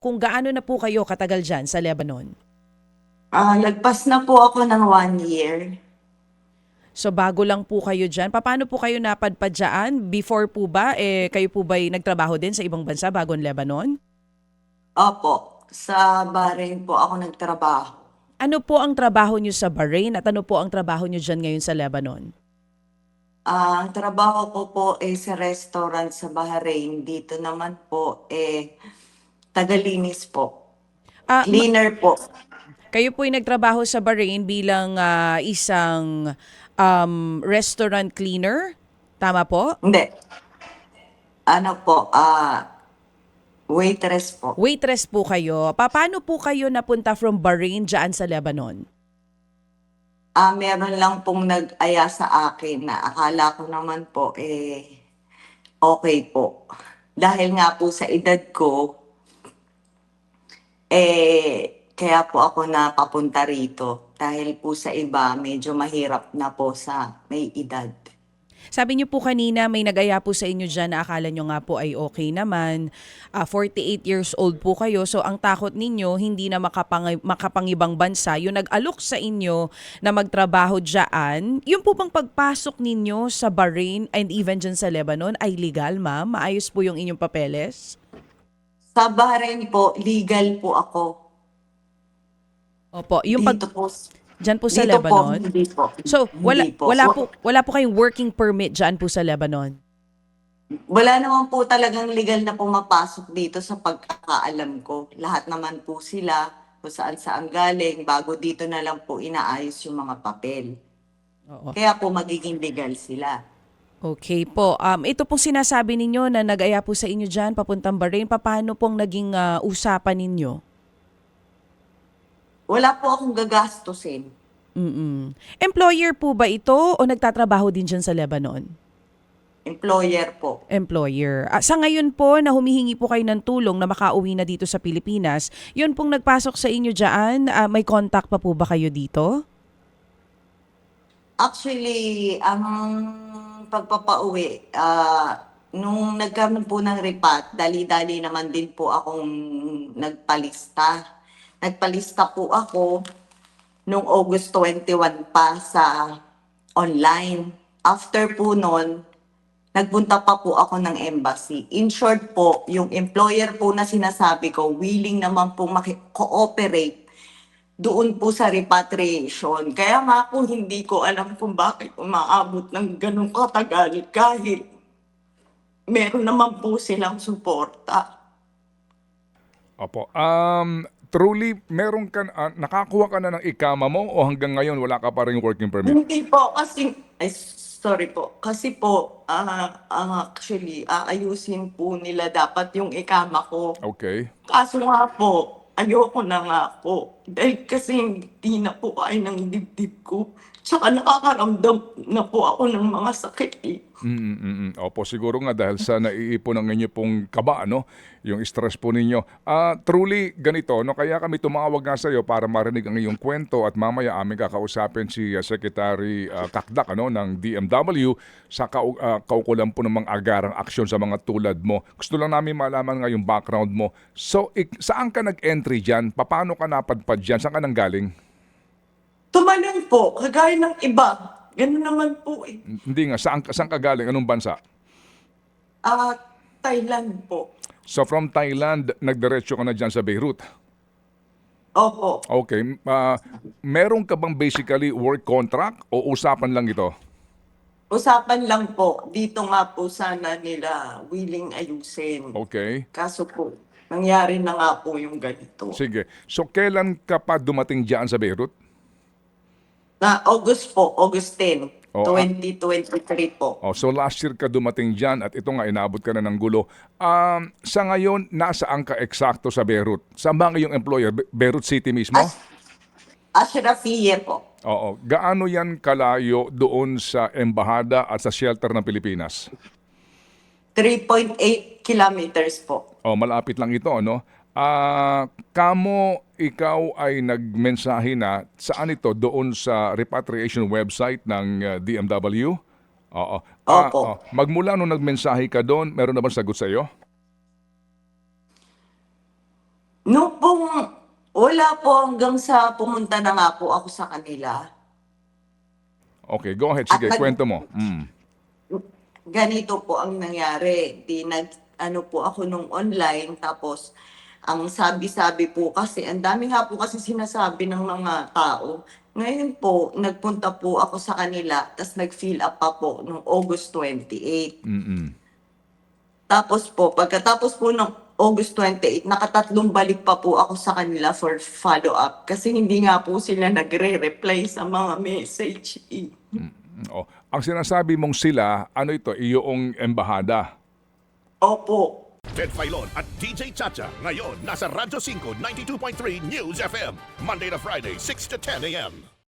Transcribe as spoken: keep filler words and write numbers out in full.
Kung gaano na po kayo katagal diyan sa Lebanon? Ah, lagpas na po ako ng one year. So bago lang po kayo diyan. Papaano po kayo napadpad diyaan? Before po ba, eh, kayo po ba'y nagtrabaho din sa ibang bansa bago ang Lebanon? Opo, sa Bahrain po ako nagtrabaho. Ano po ang trabaho niyo sa Bahrain at ano po ang trabaho niyo diyan ngayon sa Lebanon? Ah, ang trabaho ko po eh sa restaurant sa Bahrain. Dito naman po eh tagalinis po. Ah, ma- Cleaner po. kayo po ay nagtrabaho sa Bahrain bilang ah, isang um, restaurant cleaner? Tama po? Hindi, ano po, ah, waitress po. Waitress po kayo. Paano po kayo napunta from Bahrain diyan sa Lebanon? Ah, meron lang pong nag-aya sa akin na akala ko naman po eh okay po. Dahil nga po sa edad ko, eh, kaya po ako napapunta rito. Dahil po sa iba, medyo mahirap na po sa may edad. Sabi niyo po kanina may nag-aya po sa inyo diyan na akala niyo nga po ay okay naman. Ah, forty-eight years old po kayo. So ang takot ninyo hindi na makapang makapangibang bansa. Yung nag-alok sa inyo na magtrabaho diyan, yung po bang pagpasok ninyo sa Bahrain and even diyan sa Lebanon ay legal, ma'am? Maayos po yung inyong papeles? Sa Bahrain po, legal po ako. Opo, yung pag Dito po, diyan po sa dito po, Lebanon. hindi po. So, wala Hindi po. wala Wa- po wala po kayong working permit diyan po sa Lebanon. Wala naman po talagang legal na pumapasok dito sa pagkakaalam ko. Lahat naman po sila kung saan saan galing, bago dito na lang po inaayos yung mga papel. Oo. Kaya po magiging legal sila. Okay po. Um, ito pong sinasabi ninyo na nag-aya po sa inyo dyan, papuntang Bahrain. Paano pong naging ah, usapan ninyo? Wala po akong gagastusin. Mm-mm. Employer po ba ito o nagtatrabaho din dyan sa Lebanon? Employer po. Employer. Ah, sa ngayon po na humihingi po kayo ng tulong na makauwi na dito sa Pilipinas, yun pong nagpasok sa inyo dyan, ah, may contact pa po ba kayo dito? Actually, ang pagpapauwi, ah, nung nagkaroon po ng repat, dali-dali naman din po akong nagpalista. Nagpalista po ako nung August twenty-one pa sa online. After po nun, nagpunta pa po ako ng embassy. In short po, yung employer po na sinasabi ko, willing naman po maki-cooperate doon po sa repatriation. Kaya nga po hindi ko alam kung bakit umaabot ng ganong katagal kahit meron naman po silang suporta. Opo. Um, truly, meron ka, ah, nakakuha ka na ng ikama mo o hanggang ngayon wala ka pa rin working permit? Hindi po kasi, ay sorry po, kasi po ah ah, actually aayusin po nila dapat yung ikama ko. Okay. Kaso nga po, ayoko na nga po. Dahil kasi hindi na po kaya ng dibdib ko. Tsaka nakakaramdam na po ako ng mga sakit eh. Mm, mm, mm, mm. Opo, siguro nga dahil sa naiipon ng inyo pong kaba, no? Yung stress po ninyo. Ah, truly, ganito, no? Kaya kami tumawag nga sa iyo para marinig ang iyong kwento at mamaya aming kakausapin si ah, Secretary ah, Kakdak, ano, ng D M W sa kau- ah, kaukulan po ng mga agarang aksyon sa mga tulad mo. Gusto lang namin malaman nga yung background mo. So, ik- saan ka nag-entry dyan? Paano ka napadpad dyan? Saan ka nanggaling? Tumalon po, kagaya ng iba. Ganun naman po eh. Hindi nga, saan, saan ka galing? Anong bansa? Ah, Thailand po. So from Thailand, nagdiretso ka na dyan sa Beirut. Opo. Okay. ah, meron ka bang basically work contract o usapan lang ito? Usapan lang po. Dito nga po sana nila willing ayusin. Okay. Kaso po, nangyari na nga po yung ganito. Sige. So kailan ka pa dumating dyan sa Beirut? Na August po, August tenth, Oh, ah, twenty twenty-three po. oh, so last year ka dumating dyan at ito nga inabot ka na ng gulo. Um, sa ngayon, nasaan ka eksakto sa Beirut? Saan ba ang iyong employer? Be- Beirut City mismo? As Ashrafiyeh po. Oo. Gaano yan kalayo doon sa embahada at sa shelter ng Pilipinas? three point eight kilometers po. Oh, malapit lang ito, ano? Ah, kamo ikaw ay nagmensahe na saan ito doon sa repatriation website ng uh, D M W? Oo. Ah, Opo. oh. Magmula nung nagmensahe ka doon, meron na bang sagot sa iyo? Nung pong, wala po hanggang sa pumunta na nga po ako sa kanila. Okay, go ahead. At Sige, nag- kwento mo. Mm. Ganito po ang nangyari. Di nag, ano po ako nung online, tapos ang sabi-sabi po kasi, ang dami nga po kasi sinasabi ng mga tao. Ngayon po, nagpunta po ako sa kanila, tapos nag-fill up pa po nung August twenty-eighth. Mm-mm. Tapos po, pagkatapos po ng August twenty-eighth, nakatatlong balik pa po ako sa kanila for follow-up kasi hindi nga po sila nagre-reply sa mga message. eh. Oh, ang sinasabi mong sila, ano ito, iyong embahada. Opo. Ted Filon at D J Chacha. Ngayon, nasa Radyo five ninety-two point three News F M. Monday to Friday, six to ten a m